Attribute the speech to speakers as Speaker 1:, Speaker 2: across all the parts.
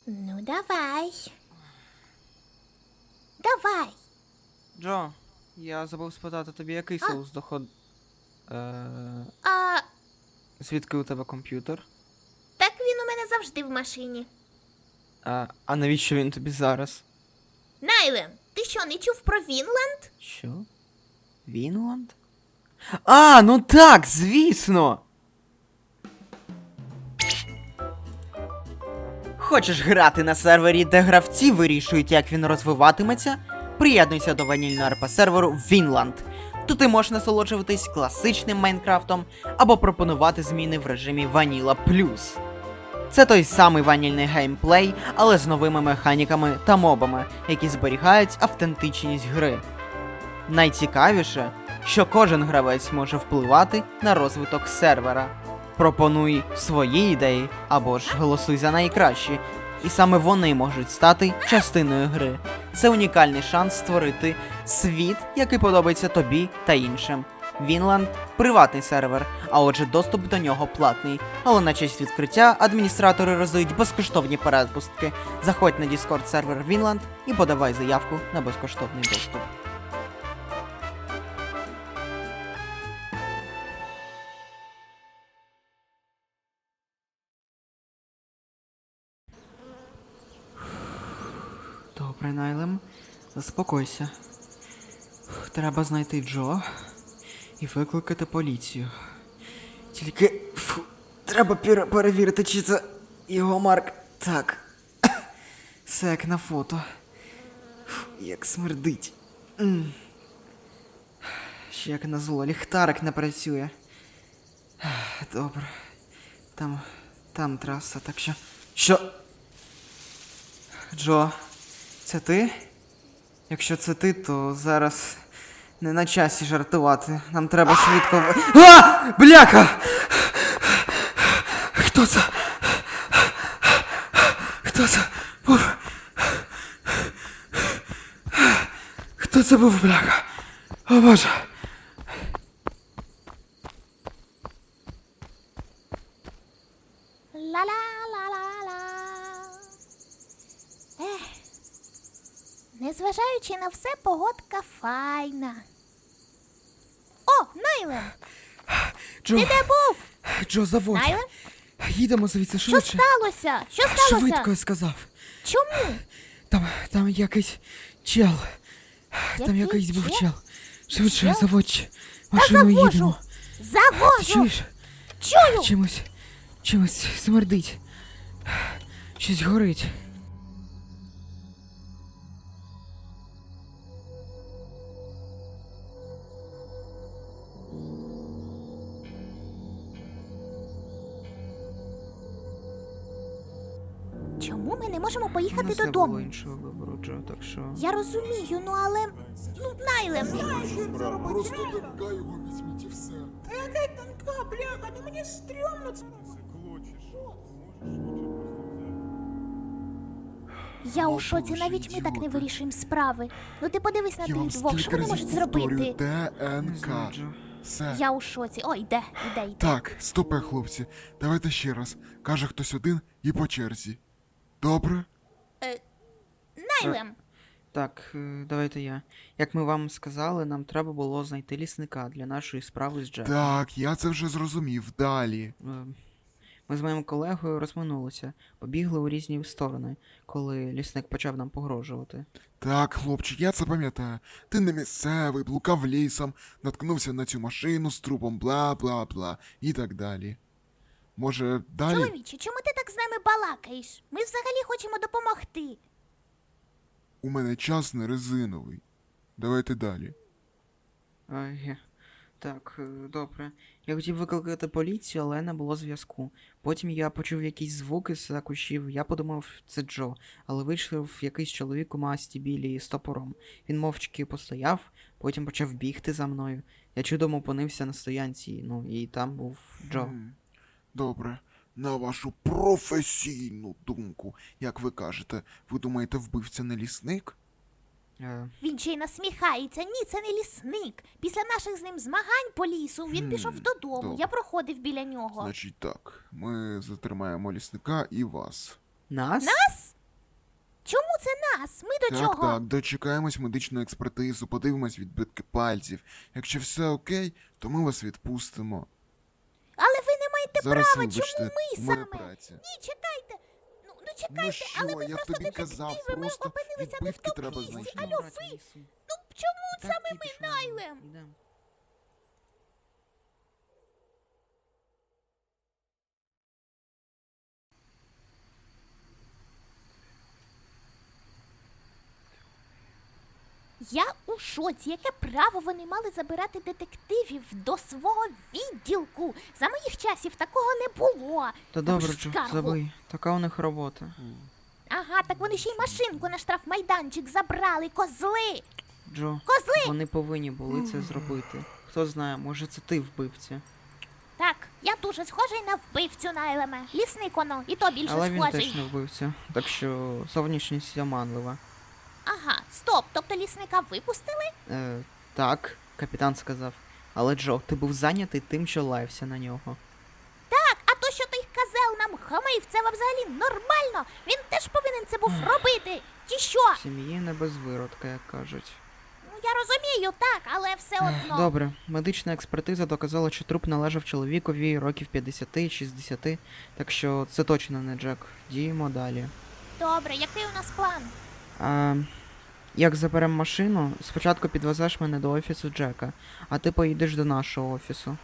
Speaker 1: Ну, давай. Давай.
Speaker 2: Джо, я забув спитати тобі, який соус доход.
Speaker 1: А,
Speaker 2: Звідки у тебе комп'ютер?
Speaker 1: так він у мене завжди в машині.
Speaker 2: А навіщо він тобі зараз?
Speaker 1: Найлен, ти що, не чув про Вінланд?
Speaker 2: Що? Вінланд? А, ну так, звісно! Хочеш грати на сервері, де гравці вирішують, як він розвиватиметься? Приєднуйся до ванільного РП серверу Вінланд. Тут ти можеш насолоджуватись класичним Майнкрафтом або пропонувати зміни в режимі Vanilla Plus. Це той самий ванільний геймплей, але з новими механіками та мобами, які зберігають автентичність гри. Найцікавіше, що кожен гравець може впливати на розвиток сервера. Пропонуй свої ідеї або ж голосуй за найкращі, і саме вони можуть стати частиною гри. Це унікальний шанс створити світ, який подобається тобі та іншим. Вінланд – приватний сервер, а отже доступ до нього платний. Але на честь відкриття адміністратори роздають безкоштовні перепустки. Заходь на Discord сервер Вінланд і подавай заявку на безкоштовний доступ. Добре, Найлем, заспокойся. Треба знайти Джо і викликати поліцію. Тільки треба перевірити, чи це його Марк. Так. Все як на фото. Як смердить. Ще як назло, ліхтарик не працює. Добре. Там траса, так що. Що? Джо, це ти? Якщо це ти, то зараз не на часі жартувати. Нам треба швидко. А! Бляха! Хто це? Хто це був? Хто це був, бляха? О, Боже.
Speaker 1: Ла-ла-ла-ла-ла. Незважаючи на все, погодка файна. О, Найлен!
Speaker 2: Джо,
Speaker 1: Ти де був?
Speaker 2: Джо, заводь.
Speaker 1: Найлен?
Speaker 2: Їдемо звідси
Speaker 1: Що
Speaker 2: швидше.
Speaker 1: сталося? Що сталося?
Speaker 2: Швидко, я сказав.
Speaker 1: Чому?
Speaker 2: Там якийсь чел. Там якийсь був чел. Швидше,
Speaker 1: Чел?
Speaker 2: заводь.
Speaker 1: Та
Speaker 2: Машину
Speaker 1: завожу!
Speaker 2: їдемо. Ти
Speaker 1: Завожу!
Speaker 2: чуєш?
Speaker 1: Чую!
Speaker 2: Чимось смердить. Щось горить.
Speaker 1: Чому ми не можемо поїхати
Speaker 2: У нас не
Speaker 1: додому?
Speaker 2: було іншого вибору, Джо, так що...
Speaker 1: Я розумію, ну але... Ну, Найлен!
Speaker 3: Просто тонка його візьміть і все.
Speaker 4: Та яка тонка, бляха, ну мені стрьомно це.
Speaker 1: Я у шоці, навіть ми так не вирішуємо справи. Ну ти подивись на
Speaker 3: Я вам
Speaker 1: тих двох, що
Speaker 3: стільки
Speaker 1: вони
Speaker 3: разів
Speaker 1: можуть
Speaker 3: повторюю,
Speaker 1: зробити.
Speaker 2: Не знаю,
Speaker 3: ДНК.
Speaker 2: Джо.
Speaker 3: Все.
Speaker 1: Я у шоці. Ой, йде.
Speaker 3: Так, стопе, хлопці. Давайте ще раз. Каже хтось один і по черзі. Добре?
Speaker 1: Найлен!
Speaker 2: Так, давайте я. Як ми вам сказали, нам треба було знайти лісника для нашої справи з Джеком.
Speaker 3: Так, я це вже зрозумів. Далі.
Speaker 2: Ми з моїм колегою розминулися, побігли у різні сторони, коли лісник почав нам погрожувати.
Speaker 3: Так, хлопчик, я це пам'ятаю. Ти не місцевий, блукав лісом, наткнувся на цю машину з трупом, бла-бла-бла і так далі. Може, далі?
Speaker 1: Чоловіче, чому ти так з нами балакаєш? Ми взагалі хочемо допомогти.
Speaker 3: У мене час не резиновий. Давайте далі.
Speaker 2: Так, добре. Я хотів викликати поліцію, але не було зв'язку. Потім я почув якісь звуки з кущів, я подумав, це Джо, але вийшов якийсь чоловік у масті білій з топором. Він мовчки постояв, потім почав бігти за мною. Я чудом опинився на стоянці, ну і там був Джо.
Speaker 3: Добре. На вашу професійну думку, як ви кажете, ви думаєте, вбивця не лісник?
Speaker 1: Він ще й насміхається. Ні, це не лісник. Після наших з ним змагань по лісу він пішов додому.
Speaker 3: добре.
Speaker 1: Я проходив біля нього.
Speaker 3: Значить так, ми затримаємо лісника і вас.
Speaker 2: Нас?
Speaker 1: Нас? Чому це нас? Ми до
Speaker 3: Так,
Speaker 1: чого?
Speaker 3: так, дочекаємось медичну експертизу, подивимось відбитки пальців. Якщо все окей, то ми вас відпустимо.
Speaker 1: Але ви не маєте
Speaker 3: Зараз,
Speaker 1: права,
Speaker 3: вибачте,
Speaker 1: чому ми
Speaker 3: у мене
Speaker 1: саме?
Speaker 3: праця.
Speaker 1: Ні, чекайте. Ну чекайте,
Speaker 3: Ну що,
Speaker 1: але ми
Speaker 3: я
Speaker 1: просто
Speaker 3: тобі казав,
Speaker 1: детективи, ми
Speaker 3: просто
Speaker 1: опинилися не в
Speaker 3: відбитки
Speaker 1: тому
Speaker 3: треба
Speaker 1: місці.
Speaker 3: знайти.
Speaker 1: Алло, ви? Ну чому саме ми, Найлем? Я у шоці. Яке право вони мали забирати детективів до свого відділку? За моїх часів такого не було.
Speaker 2: Та
Speaker 1: Та ви
Speaker 2: добре,
Speaker 1: ж
Speaker 2: Джо,
Speaker 1: скаргу.
Speaker 2: забий. Така у них робота.
Speaker 1: Ага, так вони ще й машинку на штрафмайданчик забрали, козли!
Speaker 2: Джо,
Speaker 1: Козли!
Speaker 2: вони повинні були це зробити. Хто знає, може це ти вбивця.
Speaker 1: Так, я дуже схожий на вбивцю Найлеме. Лісник воно, і то більше
Speaker 2: Але він
Speaker 1: схожий.
Speaker 2: теж не вбивця. Так що зовнішність оманлива.
Speaker 1: Ага, стоп, тобто лісника випустили?
Speaker 2: Так, капітан сказав. Але Джо, ти був зайнятий тим, що лаявся на нього.
Speaker 1: Так, а то, що той козел нам хамив, це взагалі нормально. Він теж повинен це був робити. Чи що?
Speaker 2: В сім'ї не без виродка, як кажуть.
Speaker 1: Ну я розумію, так, але все одно.
Speaker 2: Добре, медична експертиза доказала, що труп належав чоловікові років 50-60, так що це точно не Джек. Діємо далі.
Speaker 1: Добре, який у нас план?
Speaker 2: Як заберемо машину, спочатку підвезеш мене до офісу Джека, а ти поїдеш до нашого офісу.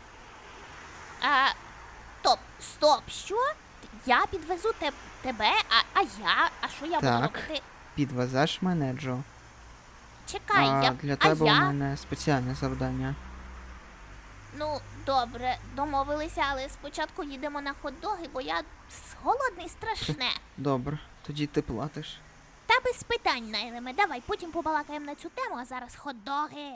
Speaker 1: Стоп, що? Я підвезу тебе, а я? А що я буду
Speaker 2: Так.
Speaker 1: робити?
Speaker 2: Підвезеш мене, Джо.
Speaker 1: Чекай,
Speaker 2: А
Speaker 1: я.
Speaker 2: для
Speaker 1: А
Speaker 2: тебе у
Speaker 1: я?
Speaker 2: мене спеціальне завдання.
Speaker 1: Ну, добре, домовилися, але спочатку їдемо на хот-доги, бо я голодний страшне.
Speaker 2: Добре, тоді ти платиш.
Speaker 1: Та без питань, Найлеме, давай потім побалакаємо на цю тему, а зараз хот-доги.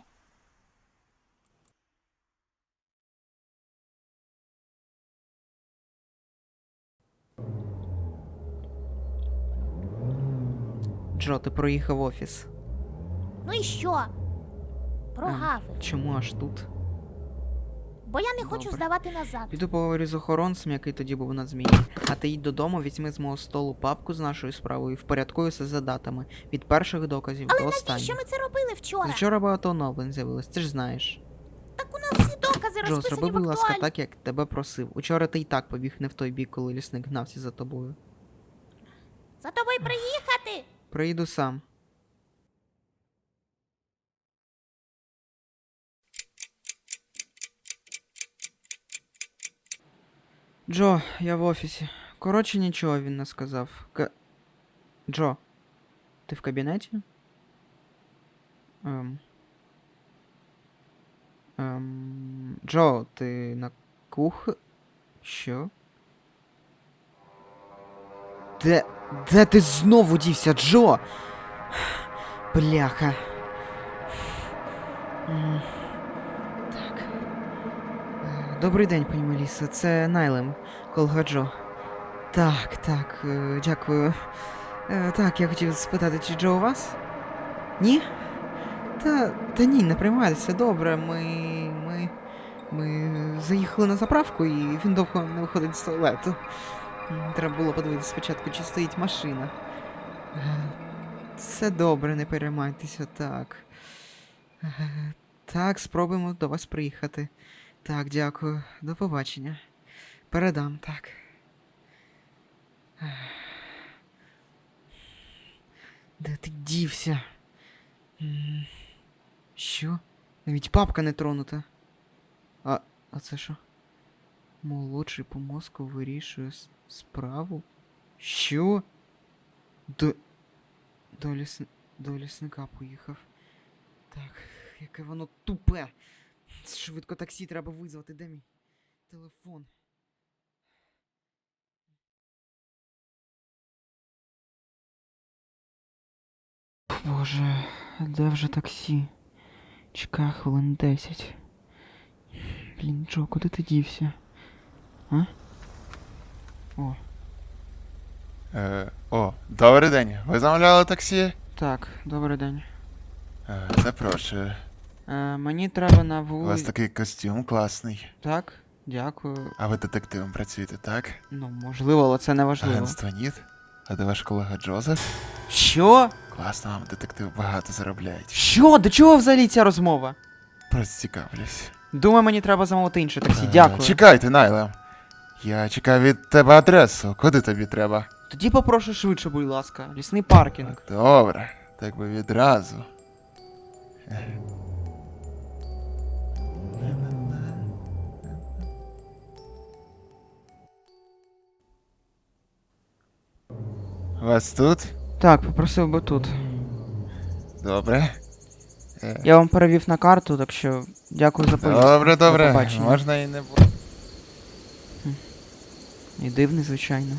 Speaker 2: Джо, ти проїхав офіс.
Speaker 1: Ну і що? Прогавив.
Speaker 2: Чому аж тут?
Speaker 1: Бо я не хочу
Speaker 2: Добре.
Speaker 1: здавати назад.
Speaker 2: Піду поговорю з охоронцем, який тоді був на зміні. А ти їдь додому, візьми з мого столу папку з нашою справою і впорядкуй все за датами. Від перших доказів
Speaker 1: Але
Speaker 2: до
Speaker 1: навіщо
Speaker 2: останніх.
Speaker 1: ми це робили вчора?
Speaker 2: Вчора багато оновлень з'явилось, ти ж знаєш.
Speaker 1: Так у нас всі докази
Speaker 2: Джо,
Speaker 1: розписані
Speaker 2: зроби,
Speaker 1: в
Speaker 2: будь ласка,
Speaker 1: актуалі.
Speaker 2: так, як тебе просив. Учора ти і так побіг не в той бік, коли лісник гнався за тобою.
Speaker 1: За тобою приїхати?
Speaker 2: Приїду сам. Джо, я в офісі. Коротше, нічого він не сказав. Джо, ти в кабінеті? Джо, ти на Що? Де ти знову дівся, Джо? Бляха. Так. Добрий день, пані Меліса. Це Найлем, колга Джо. Так, дякую. Так, я хотів спитати, чи Джо у вас? Ні? Та ні, не приймайтеся, добре. Ми заїхали на заправку і він довго не виходить з туалету. Треба було подивитися спочатку, чи стоїть машина. Все добре, не переймайтеся, так. Так, спробуємо до вас приїхати. Так, дякую. До побачення. Передам, так. Де ти дівся? Що? Навіть папка не тронута. А це що? Молодший по мозку вирішує справу? Що? До лісника поїхав. Так, яке воно тупе. Швидко таксі треба визвати. Де мій телефон? Боже, де вже таксі? Чекай хвилин 10. Блін, Джо, куди ти дівся? А?
Speaker 3: Добрий день. Ви замовляли таксі?
Speaker 2: Так, добрий день.
Speaker 3: Запрошую.
Speaker 2: Мені треба на
Speaker 3: У вас
Speaker 2: вулицю.
Speaker 3: такий костюм класний.
Speaker 2: Так, дякую.
Speaker 3: А ви детективом працюєте, так?
Speaker 2: Ну, можливо, але це не важливо.
Speaker 3: Агентство ніт? А де ваш колега Джозеф?
Speaker 2: Що?
Speaker 3: Класно, вам детектив багато заробляють.
Speaker 2: Що? До чого взагалі ця розмова?
Speaker 3: Просто цікавлюсь.
Speaker 2: Думаю, мені треба замовити інше таксі. Дякую.
Speaker 3: Чекайте, Найле. Я чекаю від тебе адресу. Куди тобі треба?
Speaker 2: Тоді попрошу швидше, будь ласка. Лісний паркінг.
Speaker 3: Добре, так би відразу. Вас тут?
Speaker 2: Так, попросив би тут.
Speaker 3: Добре.
Speaker 2: Я вам перевів на карту, так що дякую за поїздку.
Speaker 3: Добре,
Speaker 2: До
Speaker 3: добре.
Speaker 2: побачення.
Speaker 3: Можна і не буде.
Speaker 2: І дивний, звичайно.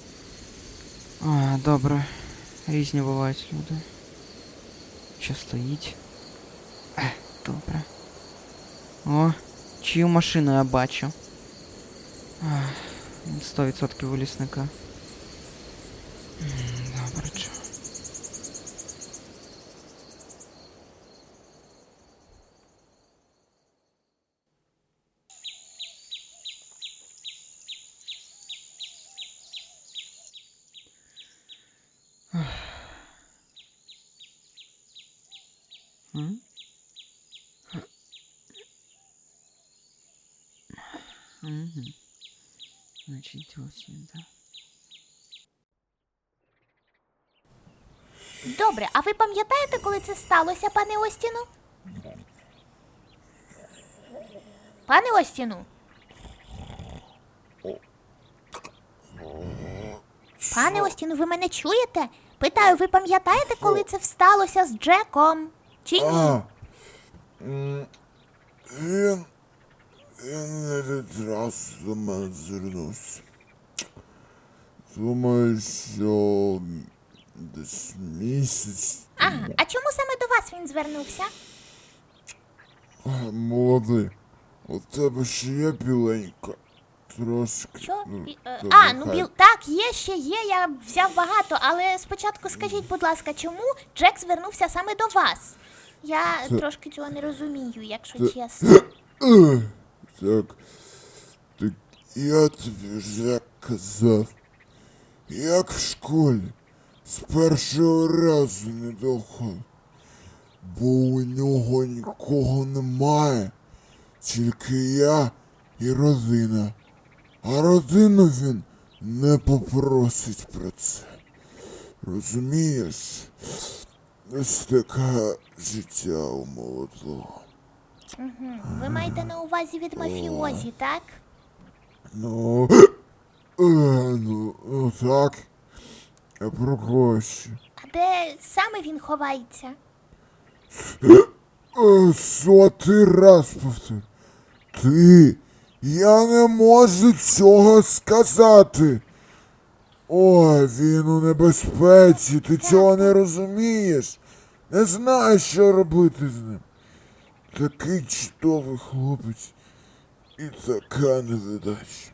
Speaker 2: А, добре. Різні бувають люди. Що стоїть? Добре. О, чию машину я бачу. Ах, 100% у лісника. Добре, чо. М? Мгм. Значить, ось він, так.
Speaker 1: Добре, а ви пам'ятаєте, коли це сталося, пане Остіну? Пане Остіну? Пане Остіну, ви мене чуєте? Питаю, ви пам'ятаєте, коли це сталося з Джеком? Чи ні?
Speaker 5: Він не відразу до мене звернувся. Думаю, що десь місяць.
Speaker 1: Ага, а чому саме до вас він звернувся?
Speaker 5: Молодий, у тебе ще є біленька. Трошки.
Speaker 1: Що?
Speaker 5: то
Speaker 1: А, ну
Speaker 5: нехай.
Speaker 1: так, є ще є, я взяв багато, але спочатку скажіть, будь ласка, чому Джек звернувся саме до вас? Я трошки цього не розумію, якщо чесно.
Speaker 5: Так, так я тобі вже казав, як в школі, з першого разу не доходив, бо у нього нікого немає, тільки я і родина. А родину він не попросить про це. Розумієш? Ось таке життя у молодого.
Speaker 1: Ви маєте на увазі від мафіозі, так?
Speaker 5: Ну, ну так. А про кого ще?
Speaker 1: А де саме він ховається?
Speaker 5: Сотий раз повтор. Я не можу цього сказати. Ой, він у небезпеці, ти цього не розумієш. Не знаєш, що робити з ним. Такий чудовий хлопець. І така невдача.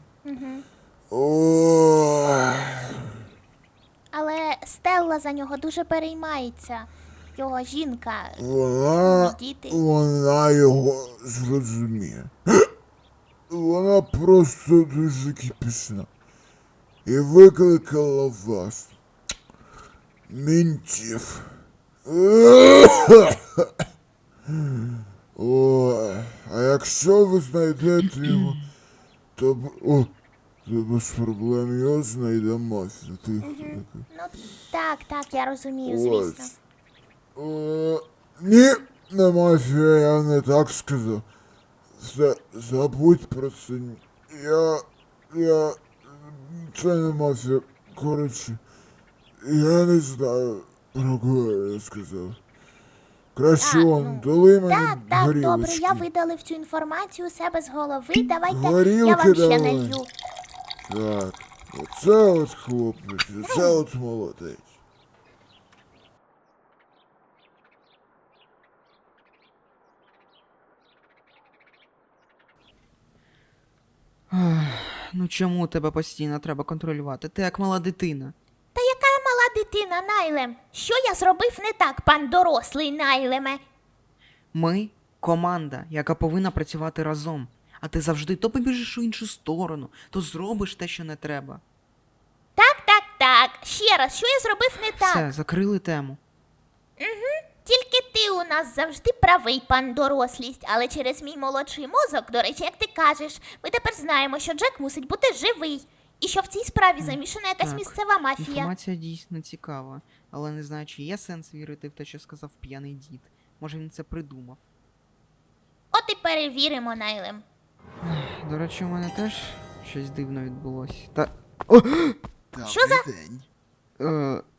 Speaker 5: Ой.
Speaker 1: Але Стелла за нього дуже переймається. Його жінка. Діти.
Speaker 5: Вона його зрозуміє. Вона просто дуже кипісна. І викликала вас. Мінтів. Ой, а якщо ви знайдете його, то без проблем його знайде мафія. Тихо.
Speaker 1: Ну так, я розумію, звісно.
Speaker 5: Ні, не мафія, я не так сказав. Забудь про це. Це не мафія. Коротше, я не знаю, про кого я сказав. Краще он, дали мені
Speaker 1: Так, добре,
Speaker 5: горілочки.
Speaker 1: я видалив цю інформацію у себе з голови. Давайте я
Speaker 5: Горілки
Speaker 1: вам ще
Speaker 5: давай.
Speaker 1: налью.
Speaker 5: Так, оце от хлопець, оце от молодець.
Speaker 2: Ну чому тебе постійно треба контролювати? Ти як мала дитина.
Speaker 1: Та яка я мала дитина, Найлем? Що я зробив не так, пан дорослий Найлеме?
Speaker 2: Ми команда, яка повинна працювати разом. А ти завжди то побіжиш у іншу сторону, то зробиш те, що не треба.
Speaker 1: Так. ще раз, що я зробив не так?
Speaker 2: Все, закрили тему.
Speaker 1: Тільки ти у нас завжди правий, пан дорослість, але через мій молодший мозок, до речі, як ти кажеш, ми тепер знаємо, що Джек мусить бути живий. І що в цій справі замішана якась
Speaker 2: Так,
Speaker 1: місцева мафія.
Speaker 2: Інформація дійсно цікава, але не знаю, чи є сенс вірити в те, що сказав п'яний дід. Може він це придумав.
Speaker 1: От і перевіримо, Найлем.
Speaker 2: До речі, у мене теж щось дивно відбулося.
Speaker 1: Що за-
Speaker 3: день.